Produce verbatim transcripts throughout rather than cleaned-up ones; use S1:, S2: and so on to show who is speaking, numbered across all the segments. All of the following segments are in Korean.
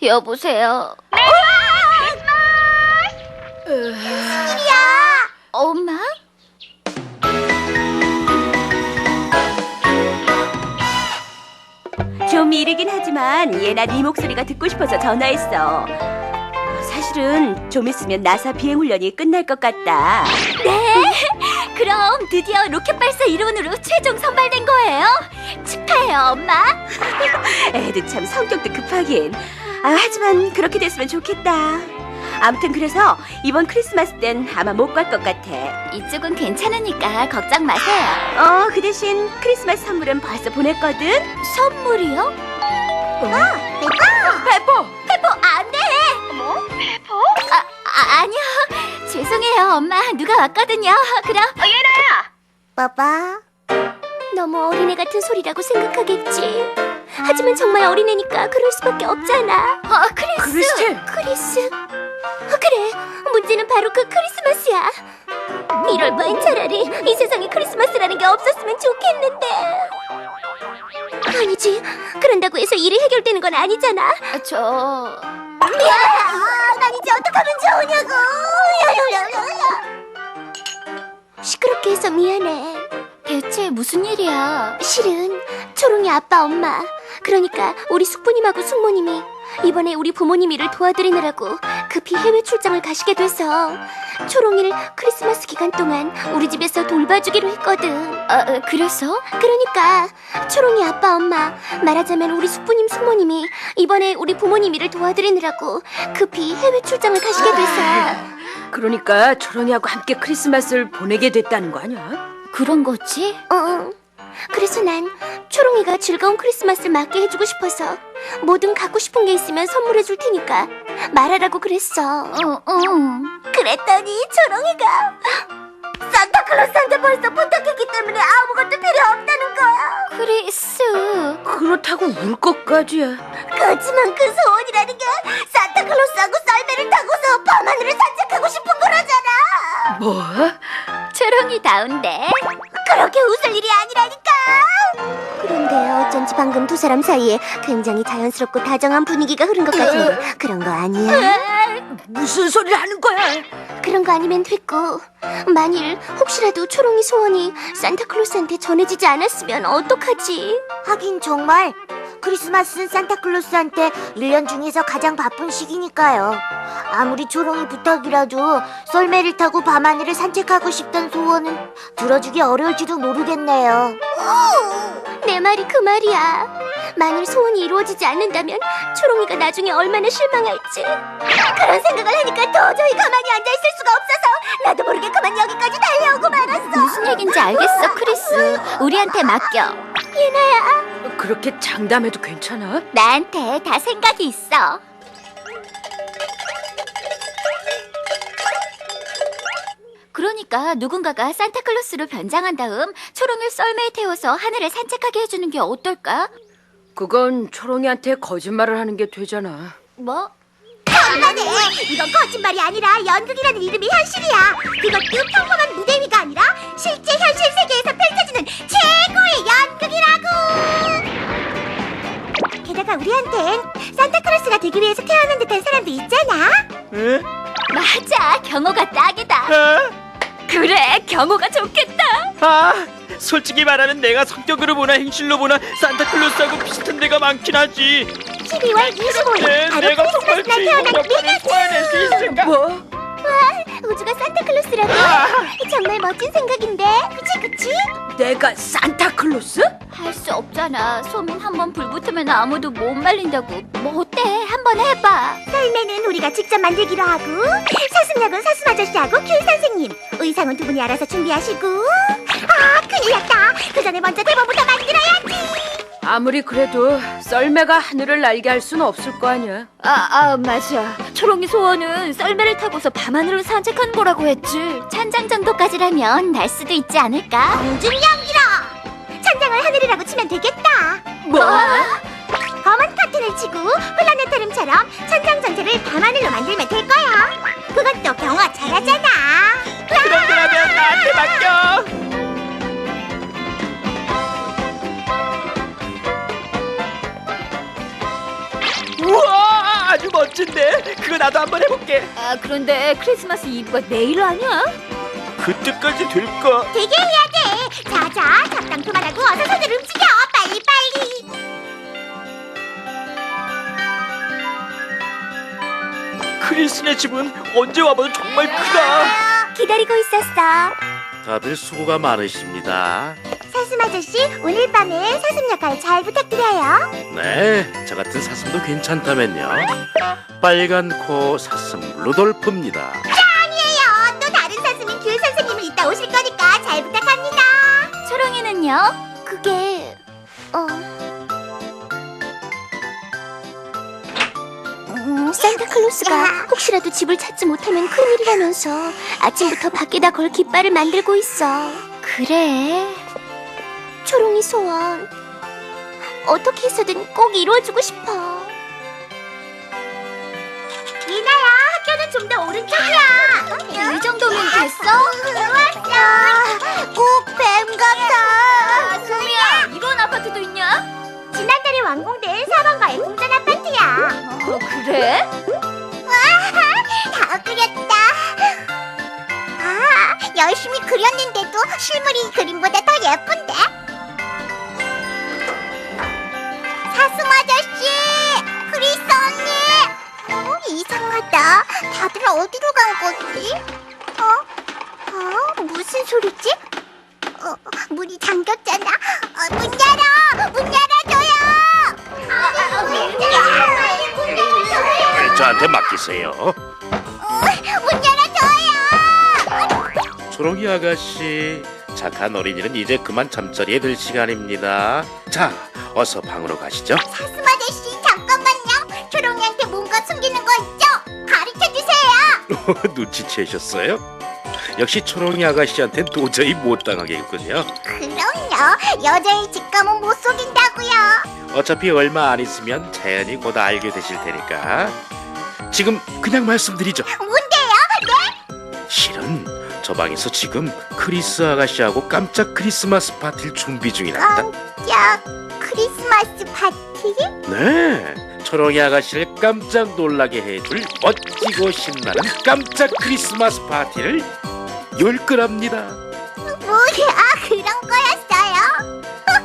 S1: 여보세요.
S2: 네, 크리스마스! 무슨 일이야?
S1: 엄마?
S3: 좀 이르긴 하지만 얘나 네 목소리가 듣고 싶어서 전화했어. 사실은 좀 있으면 나사 비행훈련이 끝날 것 같다.
S1: 네? 그럼 드디어 로켓 발사 이론으로 최종 선발된 거예요? 축하해요, 엄마.
S3: 애도 참 성격도 급하긴. 아, 하지만 그렇게 됐으면 좋겠다. 아무튼 그래서 이번 크리스마스 땐 아마 못 갈 것 같아.
S1: 이쪽은 괜찮으니까 걱정 마세요.
S3: 어, 그 대신 크리스마스 선물은 벌써 보냈거든.
S1: 선물이요?
S2: 아, 내가!
S3: 페포!
S1: 페포, 안 돼!
S2: 뭐? 페퍼?
S1: 아, 아, 아니요. 죄송해요, 엄마. 누가 왔거든요. 그럼.
S2: 어, 얘나야!
S1: 봐봐. 너무 어린애 같은 소리라고 생각하겠지. 하지만 정말 어린애니까 그럴 수밖에 없잖아. 어, 크리스.
S3: 크리스.
S1: 크리스. 어, 그래. 문제는 바로 그 크리스마스야. 이럴 바엔 차라리 이 세상에 크리스마스라는 게 없었으면 좋겠는데. 아니지. 그런다고 해서 일이 해결되는 건 아니잖아. 저...
S2: 야, 난 이제 어떡하면 좋으냐고!
S1: 시끄럽게 해서 미안해. 대체 무슨 일이야? 실은 초롱이 아빠 엄마, 그러니까 우리 숙부님하고 숙모님이 이번에 우리 부모님 일을 도와드리느라고 급히 해외 출장을 가시게 돼서 초롱이를 크리스마스 기간 동안 우리 집에서 돌봐주기로 했거든. 아, 그래서? 그러니까 초롱이 아빠 엄마, 말하자면 우리 숙부님 숙모님이 이번에 우리 부모님 일을 도와드리느라고 급히 해외 출장을 가시게 돼서.
S3: 그러니까 초롱이하고 함께 크리스마스를 보내게 됐다는 거 아니야?
S1: 그런 거지? 응. 그래서 난 초롱이가 즐거운 크리스마스를 맞게 해주고 싶어서 뭐든 갖고 싶은 게 있으면 선물해 줄 테니까 말하라고 그랬어. 응, 응.
S2: 그랬더니 초롱이가 산타클로스한테 벌써 부탁했기 때문에 아무것도 필요 없다는 거야.
S1: 크리스.
S3: 그렇다고 울 것까지야.
S2: 그렇지만 그 소원이라는 게 산타클로스하고 썰매를 타고서 밤하늘을 산책하고 싶은 거라잖아.
S3: 뭐?
S1: 초롱이다운데.
S2: 그렇게 웃을 일이 아니라니까.
S1: 그런데 어쩐지 방금 두 사람 사이에 굉장히 자연스럽고 다정한 분위기가 흐른 것 같은데 그런 거 아니야?
S3: 무슨 소리를 하는 거야?
S1: 그런 거 아니면 됐고, 만일 혹시라도 초롱이 소원이 산타클로스한테 전해지지 않았으면 어떡하지?
S2: 하긴 정말 크리스마스는 산타클로스한테 일 년 중에서 가장 바쁜 시기니까요. 아무리 초롱이 부탁이라도 썰매를 타고 밤하늘을 산책하고 싶던 소원은 들어주기 어려울지도 모르겠네요.
S1: 내 말이 그 말이야. 만일 소원이 이루어지지 않는다면 초롱이가 나중에 얼마나 실망할지.
S2: 그런 생각을 하니까 도저히 가만히 앉아있을 수가 없어서 나도 모르게 그만 여기까지 달려오고 말았어.
S1: 무슨 얘긴지 알겠어, 크리스. 우리한테 맡겨. 예나야,
S3: 그렇게 장담해도 괜찮아?
S1: 나한테 다 생각이 있어. 그러니까 누군가가 산타클로스로 변장한 다음 초롱이를 썰매에 태워서 하늘을 산책하게 해주는 게 어떨까?
S3: 그건 초롱이한테 거짓말을 하는 게 되잖아.
S1: 뭐?
S2: 험난해. 이건 거짓말이 아니라 연극이라는 이름이 현실이야. 그것도 평범한 무대 위가 아니라 실제 현실 세계에서 펼쳐지는 최고의 연극이라고. 게다가 우리한텐 산타클로스가 되기 위해서 태어난 듯한 사람도 있잖아.
S4: 에?
S1: 맞아, 경호가 딱이다.
S4: 아,
S1: 그래, 경호가 좋겠다.
S4: 아, 솔직히 말하면 내가 성격으로 보나 행실로 보나 산타클로스하고 비슷한 데가 많긴 하지.
S2: 십이월 이십오일
S4: 네,
S2: 바로
S4: 내가 정말
S2: 크리스마스 날 태어난
S4: 주인공 덕분에
S2: 미나츠.
S4: 소화해낼 수 있을까?
S3: 뭐?
S2: 우주가 산타클로스라고? 정말 멋진 생각인데. 그치 그치?
S3: 내가 산타클로스?
S1: 할 수 없잖아. 소문 한번 불붙으면 아무도 못 말린다고. 뭐 어때? 한번 해봐.
S2: 썰매는 우리가 직접 만들기로 하고, 사슴약은 사슴 아저씨하고 귤 선생님, 의상은 두 분이 알아서 준비하시고. 아, 큰일 났다. 그 전에 먼저 대본부터 만들어야지.
S3: 아무리 그래도 썰매가 하늘을 날게 할 수는 없을 거 아니야.
S1: 아, 아, 맞아. 초롱이 소원은 썰매를 타고서 밤하늘을 산책하는 거라고 했지. 천장 정도까지라면 날 수도 있지 않을까?
S2: 공중연기라. 천장을 하늘이라고 치면 되겠다.
S3: 뭐?
S2: 검은 커튼을 치고 플라네타륨처럼 천장 전체를 밤하늘로 만들면 될 거야. 그것도 경화 잘하잖아.
S4: 그럼 그러면 나한테 맡겨. 우와, 아주 멋진데? 그거 나도 한번 해볼게.
S3: 아, 그런데 크리스마스 이브가 내일 아니야?
S4: 그때까지 될까?
S2: 되게 해야 돼. 자자, 잡담 그만하고 어서 손을 움직여. 빨리 빨리.
S4: 크리스네 집은 언제 와봐도 정말 크다.
S1: 기다리고 있었어.
S5: 다들 수고가 많으십니다.
S2: 사슴 아저씨, 오늘 밤에 사슴 역할 잘 부탁드려요.
S5: 네, 저 같은 사슴도 괜찮다면요. 빨간 코 사슴 루돌프입니다.
S2: 아니에요. 또 다른 사슴인 귤 선생님은 이따 오실 거니까 잘 부탁합니다.
S1: 초롱이는요? 그게 어 음, 산타클로스가 혹시라도 집을 찾지 못하면 큰일이라면서 아침부터 밖에다 걸 깃발을 만들고 있어. 그래? 초롱이 소원 어떻게 해서든 꼭 이루어주고 싶어.
S2: 이나야, 학교는 좀 더 오른쪽이야.
S1: 이 정도면 됐어?
S2: 좋았어. 꼭 뱀 같아.
S1: 소미야, 이런 아파트도 있냐?
S2: 지난달에 완공된 사방가의 공전 아파트야.
S1: 어, 그래?
S2: 다 그렸다. 아, 열심히 그렸는데도 실물이 그림보다 더 예쁜데? 사슴 아저씨, 크리스 언니. 어, 이상하다. 다들 어디로 간 거지? 어? 어? 무슨 소리지? 어, 문이 잠겼잖아. 어, 문 열어! 문 열어줘요! 아, 문 열어! 문 열어줘요!
S5: 저한테 맡기세요.
S2: 문 열어줘요!
S5: 초롱이 아가씨, 착한 어린이는 이제 그만 잠자리에 들 시간입니다. 자, 어서 방으로 가시죠.
S2: 사슴 아저씨, 잠깐만요. 초롱이한테 뭔가 숨기는 거 있죠? 가르쳐주세요.
S5: 눈치채셨어요? 역시 초롱이 아가씨한텐 도저히 못 당하겠군요.
S2: 그럼요. 여자의 직감은 못 속인다고요.
S5: 어차피 얼마 안 있으면 자연히 곧 알게 되실 테니까 지금 그냥 말씀드리죠.
S2: 뭔데요?
S5: 실은 저 방에서 지금 크리스 아가씨하고 깜짝 크리스마스 파티를 준비 중이랍니다.
S2: 깜짝 크리스마스 파티?
S5: 네, 초롱이 아가씨를 깜짝 놀라게 해줄 멋지고 신나는 깜짝 크리스마스 파티를 열 거랍니다.
S2: 뭐야, 그런 거였어요?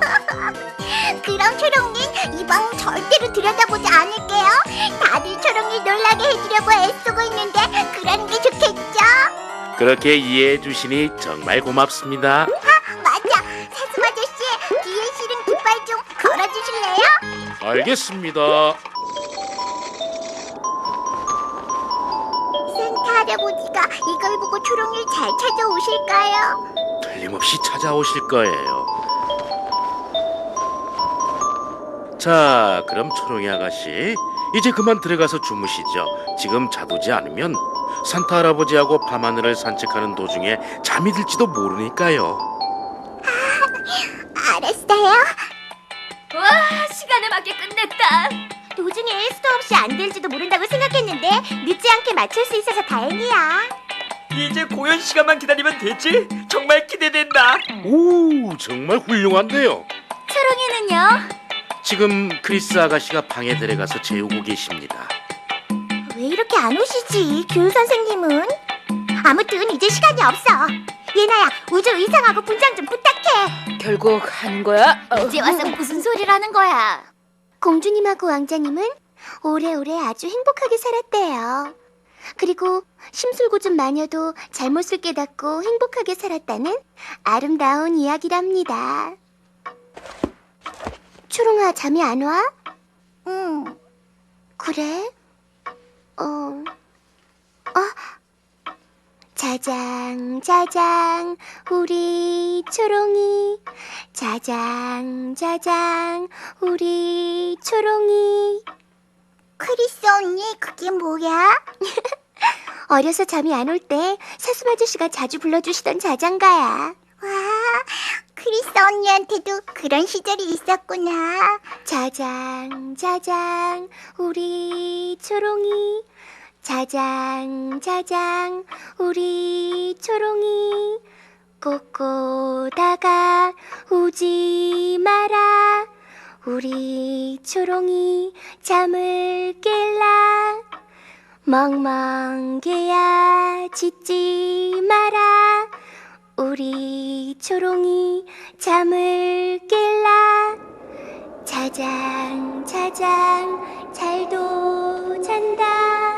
S2: 그럼 초롱님, 이 방 절대로 들여다보지 않을게요. 다들 초롱이 놀라게 해주려고 애쓰고 있는데 그러는 게 좋겠죠?
S5: 그렇게 이해해 주시니 정말 고맙습니다.
S2: 맞아, 사슴 아저씨, 뒤에 실은 깃발 좀 걸어주실래요?
S5: 알겠습니다.
S2: 산타 할아버지가 이걸 보고 초롱이를 잘 찾아오실까요?
S5: 틀림없이 찾아오실 거예요. 자, 그럼 초롱이 아가씨, 이제 그만 들어가서 주무시죠. 지금 자두지 않으면 산타 할아버지하고 밤하늘을 산책하는 도중에 잠이 들지도 모르니까요.
S2: 알았어요.
S1: 와, 시간에 맞게 끝냈다.
S2: 도중에 수도 없이 안 될지도 모른다고 생각했는데 늦지 않게 맞출 수 있어서 다행이야.
S4: 이제 공연 시간만 기다리면 되지? 정말 기대된다.
S5: 오, 정말 훌륭한데요.
S1: 초롱이는요?
S5: 지금 크리스 아가씨가 방에 들어가서 재우고 계십니다.
S2: 왜 이렇게 안 오시지, 귤 선생님은? 아무튼 이제 시간이 없어. 예나야, 우주 의상하고 분장 좀 부탁해.
S3: 결국 하는 거야? 어.
S1: 이제 와서 무슨 소리라는 거야? 공주님하고 왕자님은 오래오래 아주 행복하게 살았대요. 그리고 심술궂은 마녀도 잘못을 깨닫고 행복하게 살았다는 아름다운 이야기랍니다. 초롱아, 잠이 안 와?
S2: 응.
S1: 그래? 어... 어? 자장, 자장, 우리 초롱이. 자장, 자장, 우리 초롱이.
S2: 크리스 언니, 그게 뭐야?
S1: 어려서 잠이 안 올 때 사슴 아저씨가 자주 불러주시던 자장가야.
S2: 와, 크리스 언니한테도 그런 시절이 있었구나.
S1: 자장, 자장, 우리 초롱이. 자장, 자장, 우리 초롱이. 꼬꼬 다가 우지 마라. 우리 초롱이 잠을 깰라. 멍멍개야 짖지 마라. 우리 초롱이 잠을 깰라. 자장 자장 잘도 잔다.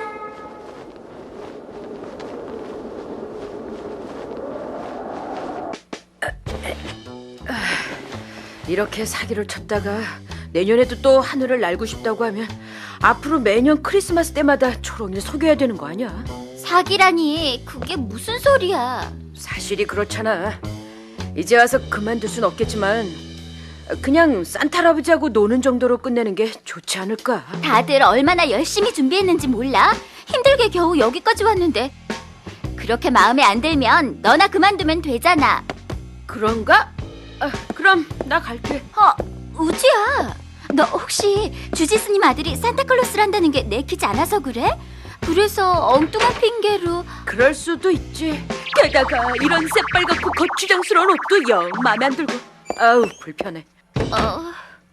S3: 이렇게 사기를 쳤다가 내년에도 또 하늘을 날고 싶다고 하면 앞으로 매년 크리스마스 때마다 초롱이를 속여야 되는 거 아니야?
S1: 사기라니 그게 무슨 소리야.
S3: 사실이 그렇잖아. 이제 와서 그만둘 순 없겠지만 그냥 산타 할아버지하고 노는 정도로 끝내는 게 좋지 않을까?
S1: 다들 얼마나 열심히 준비했는지 몰라? 힘들게 겨우 여기까지 왔는데 그렇게 마음에 안 들면 너나 그만두면 되잖아.
S3: 그런가? 아, 그럼 나 갈게.
S1: 어, 우주야. 너 혹시 주지스님 아들이 산타클로스란다는 게 내키지 않아서 그래? 그래서 엉뚱한 핑계로.
S3: 그럴 수도 있지. 게다가 이런 새빨갛고 거추장스러운 옷도 영 마음에 안 들고. 아우 불편해.
S1: 어...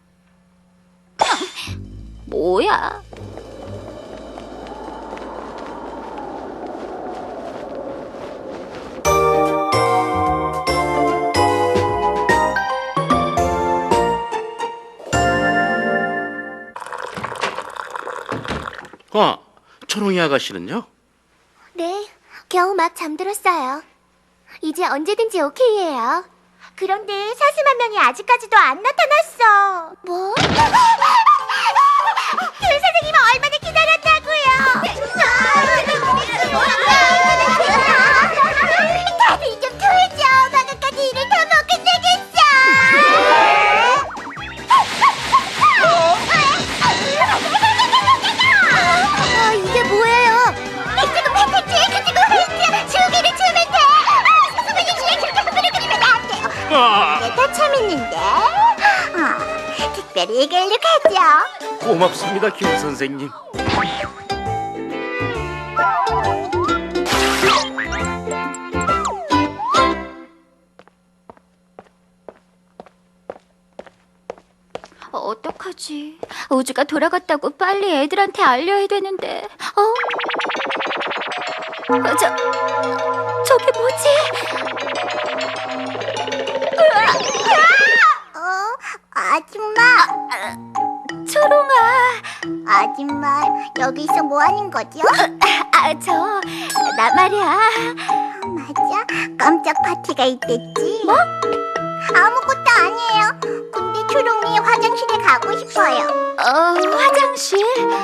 S1: 뭐야?
S5: 아, 초롱이 아가씨는요?
S1: 네, 겨우 막 잠들었어요. 이제 언제든지 오케이예요.
S2: 그런데 사슴 한 명이 아직까지도 안 나타났어.
S1: 뭐?
S2: 귤 선생님은 얼마나 기다렸다고요? 다들 좀 토해줘. 방금까지 일을 더 못 끝내겠어. 아, 이게 뭐예요? 이쪽은 패티지, 그쪽은 홀트. 주기를 주면 돼. 선생님, 그렇게 흥분을 그리면 안 돼요.
S5: 아,
S2: 이게 더 재밌는데? 어, 특별히 이걸로 가죠.
S5: 고맙습니다, 김 선생님.
S1: 어, 어떡하지? 우주가 돌아갔다고 빨리 애들한테 알려야 되는데. 어? 어, 저, 저게 뭐지?
S2: 어, 아줌마,
S1: 초롱아.
S2: 아줌마, 여기서 뭐 하는 거죠?
S1: 아, 저, 나 말이야.
S2: 맞아, 깜짝 파티가 있댔지. 뭐? 아무것도 아니에요. 근데 초롱이 화장실에 가고 싶어요.
S1: 어, 화장실?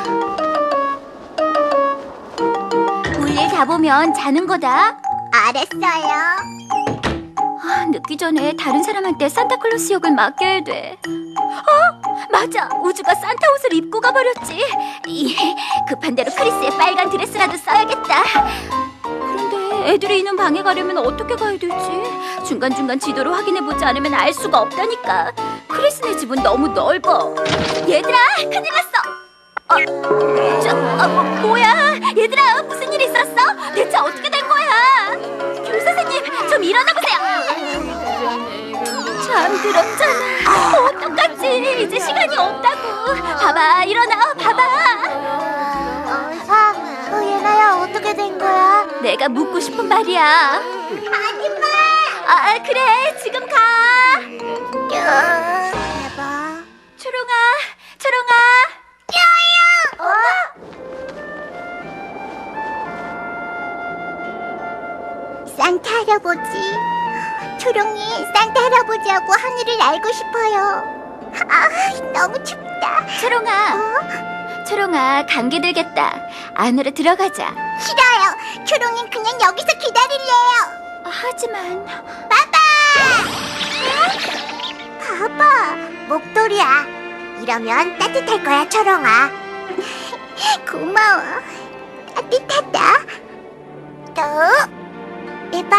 S1: 볼일 다 보면 자는 거다.
S2: 알았어요.
S1: 아, 늦기 전에 다른 사람한테 산타클로스 역을 맡겨야 돼. 어? 맞아. 우주가 산타 옷을 입고 가버렸지. 이, 급한 대로 크리스의 빨간 드레스라도 써야겠다. 그런데 애들이 있는 방에 가려면 어떻게 가야 되지? 중간중간 지도를 확인해보지 않으면 알 수가 없다니까. 크리스네 집은 너무 넓어. 얘들아, 큰일 났어. 어, 저, 어, 뭐, 뭐야? 얘들아, 무슨 일 있었어? 대체 어떻게 된 거야? 귤 선생님, 좀 일어나보세요. 잠들었잖아. 어떡하지? 이제 시간이 없다고. 봐봐, 일어나, 봐봐.
S2: 아, 어, 얘나야, 어떻게 된 거야?
S1: 내가 묻고 싶은 말이야.
S2: 아줌마!
S1: 아, 그래, 지금 가.
S2: 대박.
S1: 초롱아, 초롱아.
S2: 어? 산타 할아버지, 초롱이 산타 할아버지하고 하늘을 날고 싶어요. 아, 너무 춥다.
S1: 초롱아,
S2: 어?
S1: 초롱아, 감기 들겠다. 안으로 들어가자.
S2: 싫어요. 초롱이는 그냥 여기서 기다릴래요.
S1: 하지만
S2: 빠빠! 봐봐, 목도리야. 이러면 따뜻할 거야, 초롱아. 고마워. 따뜻하다. 또, 해봐.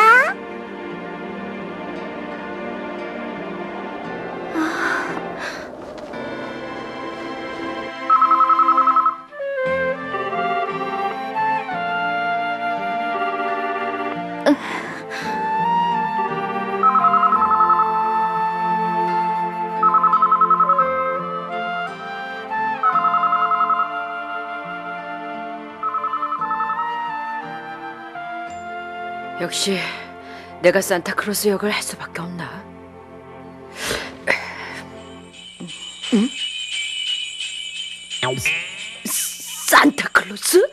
S3: 역시 내가 산타클로스 역을 할 수밖에 없나? 응? 산타클로스?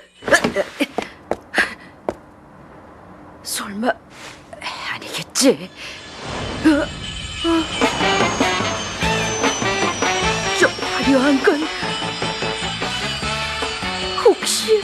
S3: 설마 아니겠지? 어? 어? 저 화려한 건 혹시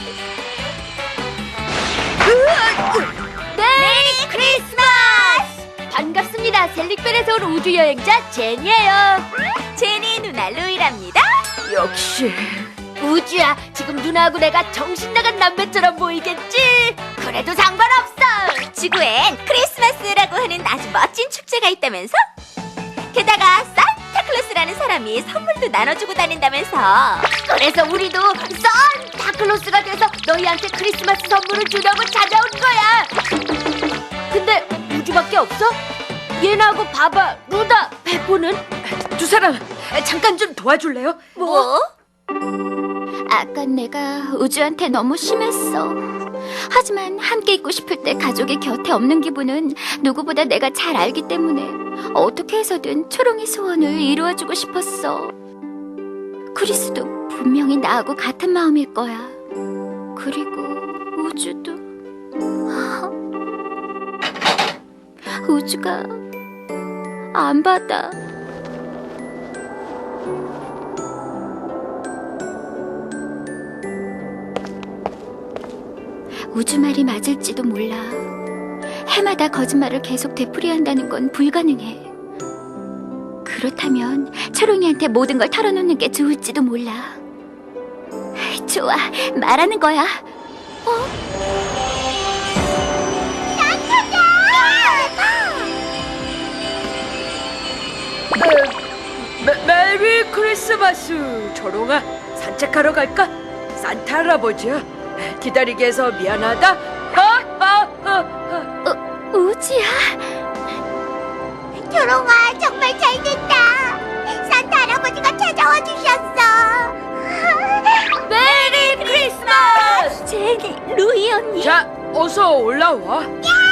S1: 메리 크리스마스! 반갑습니다. 셀릭벨에서 온 우주여행자 제니예요. 제니 누나 루이랍니다.
S3: 역시
S1: 우주야, 지금 누나하고 내가 정신나간 남매처럼 보이겠지? 그래도 상관없어.
S2: 지구엔 크리스마스라고 하는 아주 멋진 축제가 있다면서? 게다가 산타클로스라는 사람이 선물도 나눠주고 다닌다면서?
S1: 그래서 우리도 산타클로스가 돼서 너희한테 크리스마스 선물을 주려고 찾아온 거야. 근데 우주밖에 없어? 얘나하고 바바, 루다, 페포는?
S3: 두 사람 잠깐 좀 도와줄래요?
S1: 뭐? 아까 내가 우주한테 너무 심했어. 하지만 함께 있고 싶을 때 가족의 곁에 없는 기분은 누구보다 내가 잘 알기 때문에 어떻게 해서든 초롱이 소원을 이루어주고 싶었어. 크리스도 분명히 나하고 같은 마음일 거야. 그리고 우주도. 우주가 안 받아. 우주 말이 맞을지도 몰라. 해마다 거짓말을 계속 되풀이한다는 건 불가능해. 그렇다면 초롱이한테 모든 걸 털어놓는 게 좋을지도 몰라. 좋아, 말하는 거야. 어?
S3: 메, 메리 크리스마스. 초롱아, 산책하러 갈까? 산타 할아버지야, 기다리게 해서 미안하다. 아, 아, 아, 아.
S1: 어, 우주야.
S2: 초롱아, 정말 잘 됐다. 산타 할아버지가 찾아와 주셨어.
S1: 메리 크리스마스! 제니, 루이 언니.
S3: 자, 어서 올라와.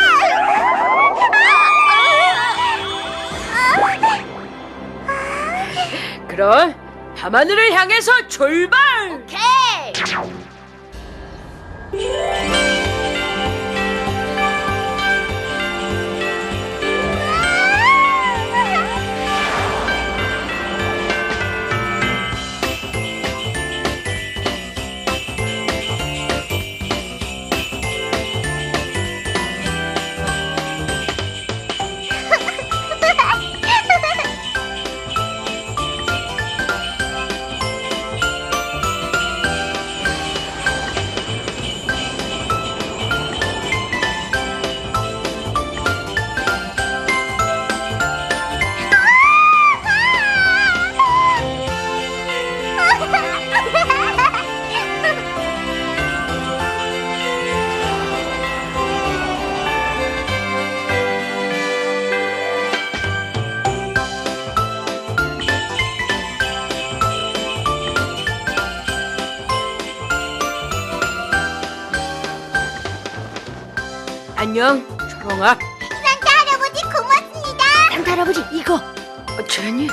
S3: 그럼 밤하늘을 향해서 출발.
S1: 오케이.
S3: 안녕, 초롱아.
S2: 산타 할아버지 고맙습니다.
S1: 산타 할아버지, 이거.
S3: 어, 제니.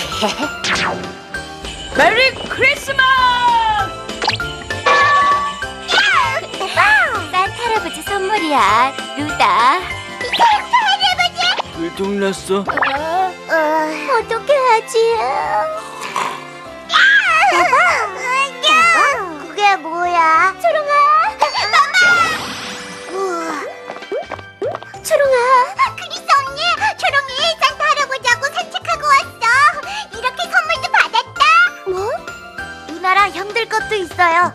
S3: 메리 크리스마스.
S1: 산타 할아버지 선물이야, 루다.
S4: 들통났어.
S2: 어,
S1: 어떻게 하지?
S2: 그게 뭐야?
S1: 초롱아,
S2: 우와,
S1: 초롱아.
S2: 크리스 언니, 초롱이 산타 할아버지하고 산책하고 왔어. 이렇게 선물도 받았다.
S1: 뭐?
S2: 누나랑 형들 것도 있어요.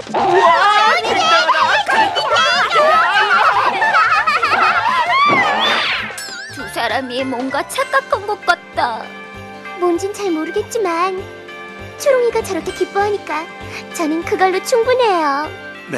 S1: 두 사람이 뭔가 착각한 것 같다. 뭔진 잘 모르겠지만 초롱이가 저렇게 기뻐하니까 저는 그걸로 충분해요.
S5: 네.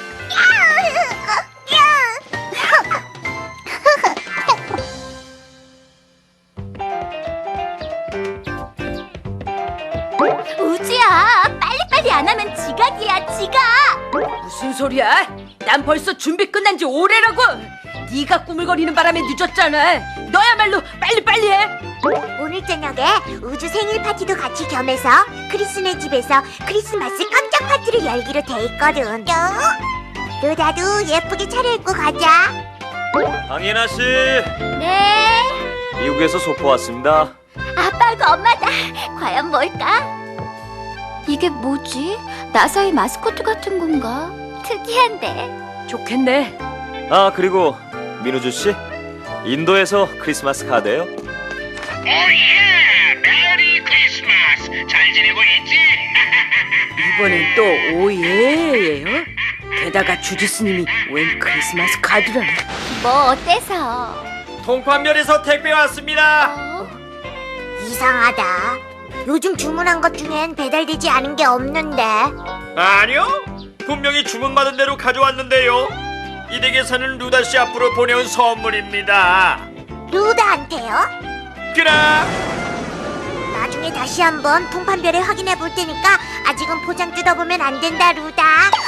S1: 우주야, 빨리빨리 안 하면 지각이야, 지각.
S3: 무슨 소리야? 난 벌써 준비 끝난 지 오래라고. 네가 꾸물거리는 바람에 늦었잖아. 너야말로 빨리빨리 해.
S2: 오늘 저녁에 우주 생일 파티도 같이 겸해서 크리스네 집에서 크리스마스 깜짝 파티를 열기로 돼 있거든. 루다도 예쁘게 차려입고 가자.
S6: 강예나 씨,
S1: 네.
S6: 미국에서 소포 왔습니다.
S1: 아빠하고 엄마다. 과연 뭘까? 이게 뭐지? 나사의 마스코트 같은 건가? 특이한데.
S3: 좋겠네.
S6: 아, 그리고 민우주 씨, 인도에서 크리스마스 카드예요.
S5: 오예! 메리 크리스마스! 잘 지내고 있지?
S3: 이번엔 또 오예예요? 게다가 주지스님이 웬 크리스마스 카드라니.
S1: 뭐 어때서?
S4: 통판면에서 택배 왔습니다.
S1: 어?
S2: 이상하다. 요즘 주문한 것 중엔 배달되지 않은 게 없는데.
S4: 아니요, 분명히 주문받은 대로 가져왔는데요. 이 댁에 사는 루다 씨 앞으로 보내온 선물입니다.
S2: 루다한테요?
S4: 그럼
S2: 나중에 다시 한번 통판별에 확인해 볼 테니까 아직은 포장 뜯어보면 안 된다, 루다.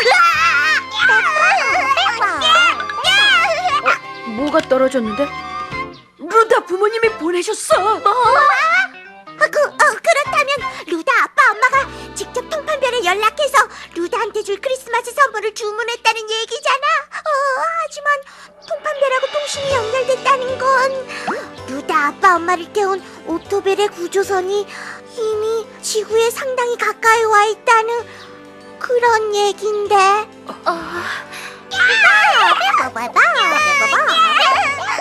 S3: 뭐가 떨어졌는데? 루다 부모님이 보내셨어.
S2: 뭐? 그, 어, 그렇다면 루다 아빠 엄마가 직접 통판별에 연락해서 루다한테 줄 크리스마스 선물을 주문했다는 얘기잖아. 어, 하지만 통판별하고 통신이 연결됐다는 건 루다 아빠 엄마를 태운 오토벨의 구조선이 이미 지구에 상당히 가까이 와 있다는 그런 얘긴데.
S1: 어,
S2: 봐봐봐, 봐봐봐.